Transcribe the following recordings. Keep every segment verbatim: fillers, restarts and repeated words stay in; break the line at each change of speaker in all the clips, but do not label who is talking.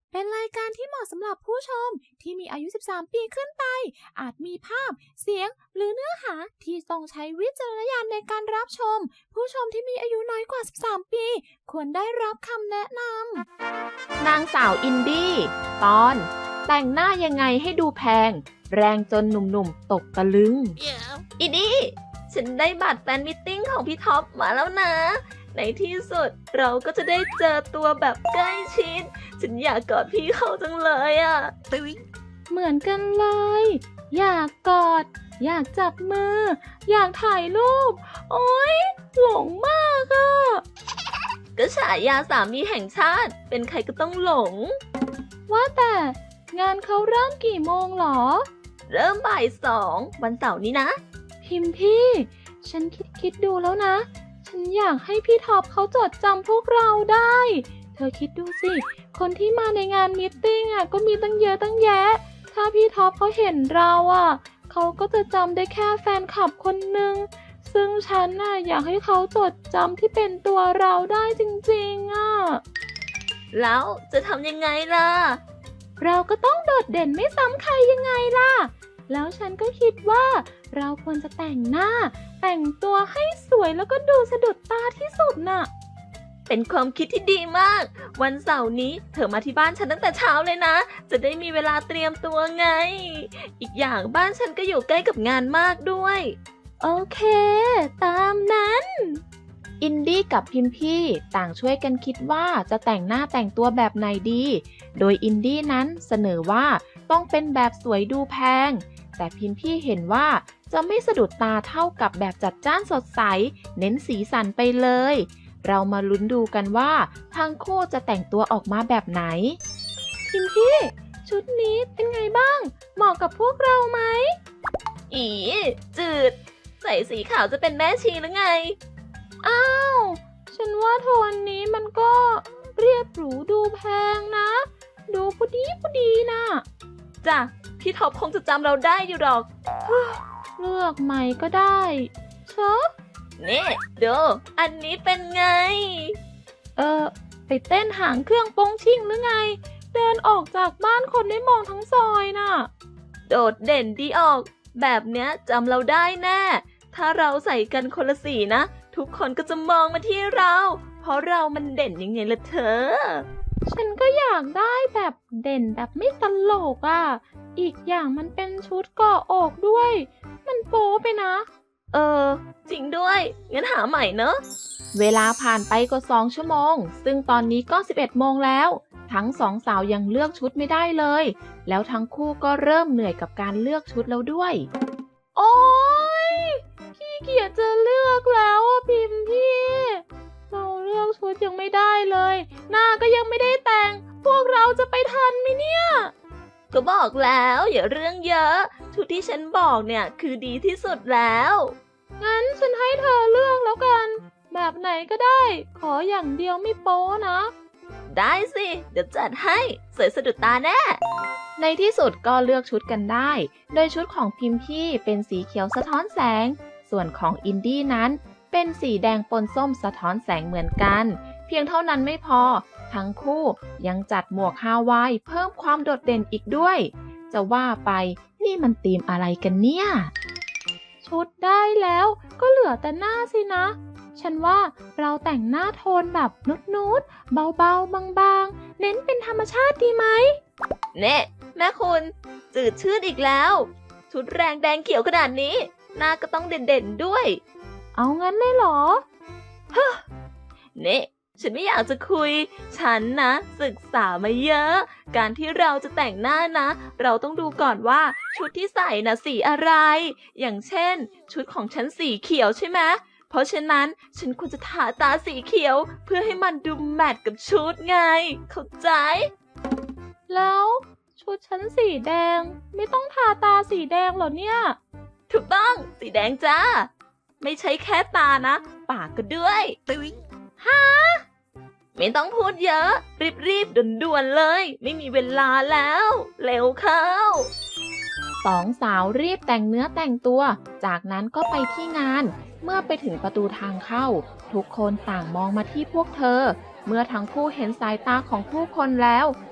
เป็นรายการที่เหมาะสำหรับผู้ชมที่มีอายุ สิบสาม ปีขึ้นไป อาจมีภาพ เสียง หรือเนื้อหาที่ต้องใช้วิจารณญาณในการรับชม ผู้ชมที่มีอายุน้อยกว่า สิบสาม ปี ควรได้รับคำแนะน
ำ นางสาวอินดี้ตอน แต่งหน้ายังไงให้ดูแพง แรงจนหนุ่มๆตกตะลึง
yeah. อินดี้ฉันได้บัตรแฟนมิทติ้งของพี่ท็อปมาแล้วนะในที่สุดเราก็จะได้เจอตัวแบบใกล้ชิดฉันอยากกอดพี่เขาจังเลยอ่ะ
เหมือนกันเลย อยากกอดอยากจับมืออยากถ่ายรูปโอ๊ยหลงมากอ่ะ
ก็ฉายาสามีแห่งชาติเป็นใครก็ต้องหลง
ว่าแต่งานเขาเริ่มกี่โมงหรอ
เริ่มบ่ายสองวันเสาร์นี้นะ
พิมพี่ฉันคิดคิดดูแล้วนะฉันอยากให้พี่ท็อปเขาจดจำพวกเราได้เธอคิดดูสิคนที่มาในงานมีตติ้งอ่ะก็มีตั้งเยอะตั้งแยะถ้าพี่ท็อปเขาเห็นเราอ่ะเขาก็จะจำได้แค่แฟนคลับคนหนึ่งซึ่งฉันน่ะอยากให้เขาจดจำที่เป็นตัวเราได้จริงๆอ่ะ
แล้วจะทำยังไงล่ะ
เราก็ต้องโดดเด่นไม่ซ้ำใครยังไงล่ะแล้วฉันก็คิดว่าเราควรจะแต่งหน้าแต่งตัวให้สวยแล้วก็ดูสะดุดตาที่สุดน่ะ
เป็นความคิดที่ดีมากวันเสาร์นี้เธอมาที่บ้านฉันตั้งแต่เช้าเลยนะจะได้มีเวลาเตรียมตัวไงอีกอย่างบ้านฉันก็อยู่ใกล้กับงานมากด้วย
โอเคตามนั้น
อินดี้กับพิมพี่ต่างช่วยกันคิดว่าจะแต่งหน้าแต่งตัวแบบไหนดีโดยอินดี้นั้นเสนอว่าต้องเป็นแบบสวยดูแพงแต่พิมพี่เห็นว่าจะไม่สะดุดตาเท่ากับแบบจัดจ้านสดใสเน้นสีสันไปเลยเรามาลุ้นดูกันว่าทั้งคู่จะแต่งตัวออกมาแบบไหน
พิมพี่ชุดนี้เป็นไงบ้างเหมาะกับพวกเราไหม
อีจืดใส่สีขาวจะเป็นแม่ชีหรือไง
อ้าวฉันว่าโทนนี้มันก็เรียบหรูดูแพงนะดูพอดีพอดีนะ
จ้ะพี่ท็อปคงจะจำเราได้อยู่หรอก
เลือกใหม่ก็ได้เชอะ
นี่ดูอันนี้เป็นไง
เออไปเต้นหางเครื่องโป้งชิ่งหรือไงเดินออกจากบ้านคนได้มองทั้งซอยน่ะ
โดดเด่นดีออกแบบเนี้ยจำเราได้แน่ถ้าเราใส่กันคนละสีนะทุกคนก็จะมองมาที่เราเพราะเรามันเด่นยังไงล่ะเธอ
ฉันก็อยากได้แบบเด่นแบบไม่ตลกอ่ะอีกอย่างมันเป็นชุดเกาะอกด้วยมันโป๊ไปนะ
เออจริงด้วยงั้นหาใหม่เนอะ
เวลาผ่านไปกว่าสองชั่วโมงซึ่งตอนนี้ก็สิบเอ็ดโมงแล้วทั้งสองสาวยังเลือกชุดไม่ได้เลยแล้วทั้งคู่ก็เริ่มเหนื่อยกับการเลือกชุดแล้วด้วย
โอ๊ยขี้เกียจจะเลือกแล้วอ่ะพิมพี่เราเลือกชุดยังไม่ได้เลยหน้าก็ยังไม่ได้แต่งพวกเราจะไปทันไหมเนี่ย
ก็บอกแล้วอย่าเรื่องเยอะชุดที่ฉันบอกเนี่ยคือดีที่สุดแล้ว
งั้นฉันให้เธอเลือกแล้วกันแบบไหนก็ได้ขออย่างเดียวไม่โป๊นะ
ได้สิเดี๋ยวจัดให้สวยสะดุดตาแน่
ในที่สุดก็เลือกชุดกันได้โดยชุดของพิมพี่เป็นสีเขียวสะท้อนแสงส่วนของอินดี้นั้นเป็นสีแดงปนส้มสะท้อนแสงเหมือนกันเพียงเท่านั้นไม่พอทั้งคู่ยังจัดหมวกฮาวายเพิ่มความโดดเด่นอีกด้วยจะว่าไปนี่มันธีมอะไรกันเนี่ย
ชุดได้แล้วก็เหลือแต่หน้าสินะฉันว่าเราแต่งหน้าโทนแบบนุดๆเบาๆบางๆเน้นเป็นธรรมชาติดีไหม
เน่แม่คุณจืดชืดอีกแล้วชุดแรงแดงเขียวขนาดนี้หน้าก็ต้องเด่นๆด้วย
เอางั้นเลยเหรอ
เฮ้เน่ฉันไม่อยากจะคุยฉันนะศึกษามาเยอะการที่เราจะแต่งหน้านะเราต้องดูก่อนว่าชุดที่ใส่น่ะสีอะไรอย่างเช่นชุดของฉันสีเขียวใช่ไหมเพราะฉะนั้นฉันควรจะทาตาสีเขียวเพื่อให้มันดูแมทกับชุดไงเข้าใจ
แล้วชุดฉันสีแดงไม่ต้องทาตาสีแดงเหรอเนี่ย
ถูกต้องสีแดงจ้าไม่ใช่แค่ตานะปากก็ด้วย
ฮะ
ไม่ต้องพูดเยอะรีบๆด่วนๆเลยไม่มีเวลาแล้วเร็วเข้า
สองสาวรีบแต่งเนื้อแต่งตัวจากนั้นก็ไปที่งานเมื่อไปถึงประตูทางเข้าทุกคนต่างมองมาที่พวกเธอเมื่อทั้งคู่เห็นสายตาของผู้คนแล้ว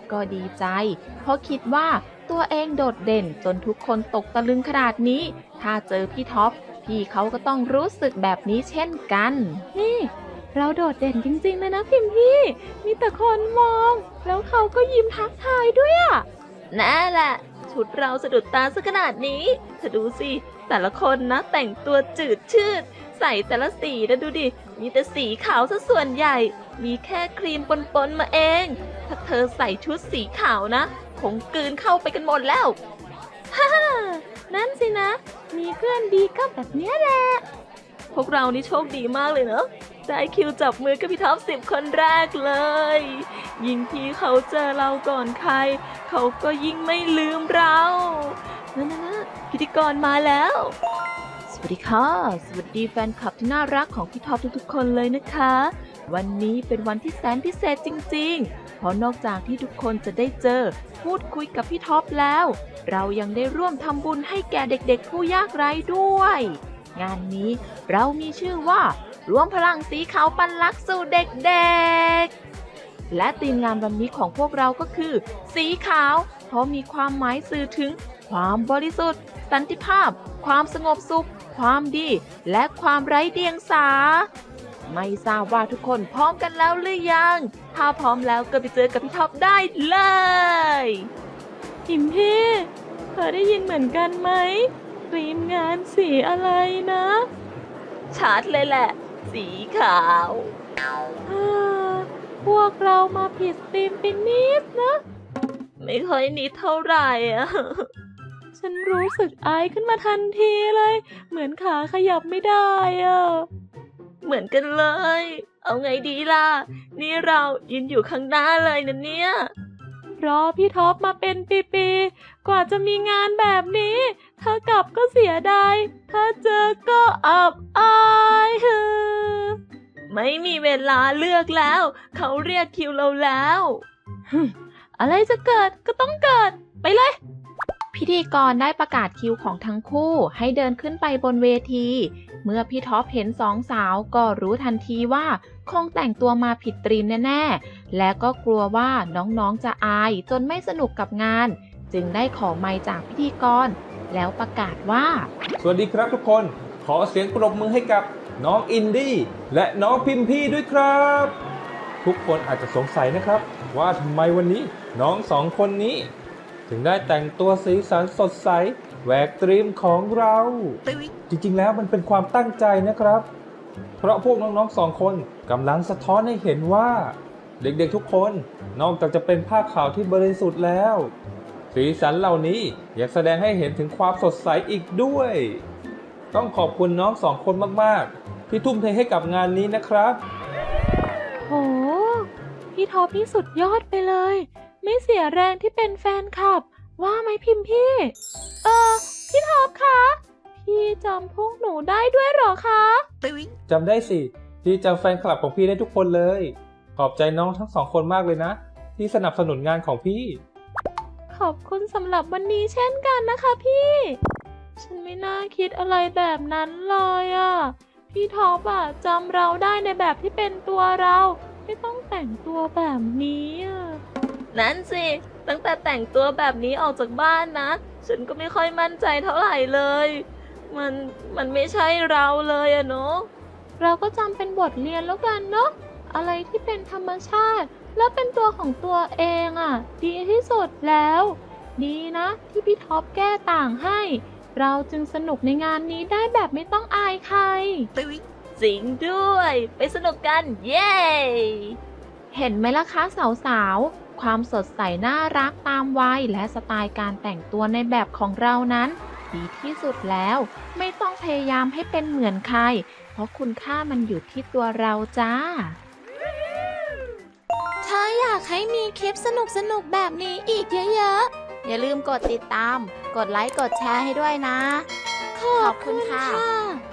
ก็ดีใจเพราะคิดว่าตัวเองโดดเด่นจนทุกคนตกตะลึงขนาดนี้ถ้าเจอพี่ท็อปพี่เขาก็ต้องรู้สึกแบบนี้เช่นกัน
นี่ เราโดดเด่นจริงๆเลยนะพิมพี่ มีแต่คนมอง แล้วเขาก็ยิ้มทักทายด้วยอะ
นั่นแหละชุดเราสะดุดตาซะขนาดนี้เธอดูสิแต่ละคนนะแต่งตัวจืดชืดใส่แต่ละสีนะดูดิมีแต่สีขาวซะส่วนใหญ่มีแค่ครีมปนๆมาเองถ้าเธอใส่ชุดสีขาวนะคงกลืนเข้าไปกันหมดแล้ว
นั่นสินะ มีเพื่อนดีก็แบบเนี้ยแหละ
พวกเรานี่โชคดีมากเลยเนอะได้คิวจับมือกับพี่ท็อปสิบคนแรกเลย ยิ่งพี่เขาเจอเราก่อนใครเขาก็ยิ่งไม่ลืมเรานั่นนะพิธีกรมาแล้ว สวัสดีค่ะ สวัสดีแฟนคลับที่น่ารักของพี่ท็อปทุกๆคนเลยนะคะ วันนี้เป็นวันที่แสนพิเศษจริงๆ เพราะนอกจากที่ทุกคนจะได้เจอพูดคุยกับพี่ท็อปแล้ว เรายังได้ร่วมทำบุญให้แก่เด็กๆผู้ยากไร้ด้วย งานนี้เรามีชื่อว่ารวมพลังสีขาวปันลักสู่เด็กๆ และธีมงานวันนี้ของพวกเราก็คือ สีขาว เพราะมีความหมายสื่อถึงความบริสุทธิ์ สันติภาพ ความสงบสุข ความดี และความไร้เดียงสา ไม่ทราบว่าทุกคนพร้อมกันแล้วหรือยัง ถ้าพร้อมแล้วก็ไปเจอกับพี่ท็อปได้เลย
พิมพี่เธอได้ยินเหมือนกันไหมทีมงานสีอะไรนะ
ชัดเลยแหละ สีขาว
อ่าพวกเรามาผิดธีมไปนิดนะ
ไม่ค่อยนิดเท่าไหร่อะ
ฉันรู้สึกอายขึ้นมาทันทีเลย เหมือนขาขยับไม่ได้อะ
เหมือนกันเลย เอาไงดีล่ะ นี่เรายืนอยู่ข้างหน้าเลยนะเนี่ย
รอพี่ท็อปมาเป็นปีๆ กว่าจะมีงานแบบนี้ ถ้ากลับก็เสียดาย ถ้าเจอก็อับอายเฮ้อ
ไม่มีเวลาเลือกแล้ว เขาเรียกคิวเราแล้ว
อะไรจะเกิดก็ต้องเกิด ไปเลย
พิธีกรได้ประกาศคิวของทั้งคู่ให้เดินขึ้นไปบนเวที เมื่อพี่ท็อปเห็นสองสาวก็รู้ทันทีว่าคงแต่งตัวมาผิดตรีมแน่ๆ และก็กลัวว่าน้องๆจะอายจนไม่สนุกกับงาน จึงได้ขอไมค์จากพิธีกร แล้วประกาศว่า
สวัสดีครับทุกคน ขอเสียงปรบมือให้กับน้องอินดี้และน้องพิมพี่ด้วยครับ ทุกคนอาจจะสงสัยนะครับว่าทำไมวันนี้น้องสองคนนี้ ถึงได้แต่งตัวสีสันสดใสแหวกตรีมของเรา จริงๆแล้วมันเป็นความตั้งใจนะครับ เพราะพวกน้องๆสองคนกำลังสะท้อนให้เห็นว่า เด็กๆทุกคนนอกจากจะเป็นผ้าขาวที่บริสุทธิ์แล้ว สีสันเหล่านี้ยังแสดงให้เห็นถึงความสดใสอีกด้วย ต้องขอบคุณน้องสองคนมากๆที่ทุ่มเทให้กับงานนี้นะครับ
โห พี่ท็อปนี่สุดยอดไปเลย ไม่เสียแรงที่เป็นแฟนคลับ ว่าไหมพิมพี่ เออ พี่ท็อปคะ พี่จำพวกหนูได้ด้วยเหรอคะ
จำได้สิพี่จำแฟนคลับของพี่ได้ทุกคนเลย ขอบใจน้องทั้งสองคนมากเลยนะ ที่สนับสนุนงานของพี่
ขอบคุณสำหรับวันนี้เช่นกันนะคะพี่ ฉันไม่น่าคิดอะไรแบบนั้นเลยอ่ะ พี่ท็อปอ่ะจำเราได้ในแบบที่เป็นตัวเรา ไม่ต้องแต่งตัวแบบนี้อ่ะ
นั่นสิ ตั้งแต่แต่งตัวแบบนี้ออกจากบ้านนะ ฉันก็ไม่ค่อยมั่นใจเท่าไหร่เลย มัน มันไม่ใช่เราเลยอะเนาะ
เราก็จำเป็นบทเรียนแล้วกันเนาะ อะไรที่เป็นธรรมชาติ แล้วเป็นตัวของตัวเองอ่ะ ดีที่สุดแล้ว ดีนะที่พี่ท็อปแก้ต่างให้ เราจึงสนุกในงานนี้ได้แบบไม่ต้องอายใคร
จริงด้วย ไปสนุกกัน เย้
เห็นไหมล่ะคะสาวๆ ความสดใสน่ารักตามวัยและสไตล์การแต่งตัวในแบบของเรานั้น ดีที่สุดแล้ว ไม่ต้องพยายามให้เป็นเหมือนใคร เพราะคุณค่ามันอยู่ที่ตัวเราจ้า
ถ้าอยากให้มีคลิปสนุกๆแบบนี้อีกเยอะๆ อย่าลืมกดติดตาม กดไลค์ กดแชร์ให้ด้วยนะ ขอบคุณค่ะ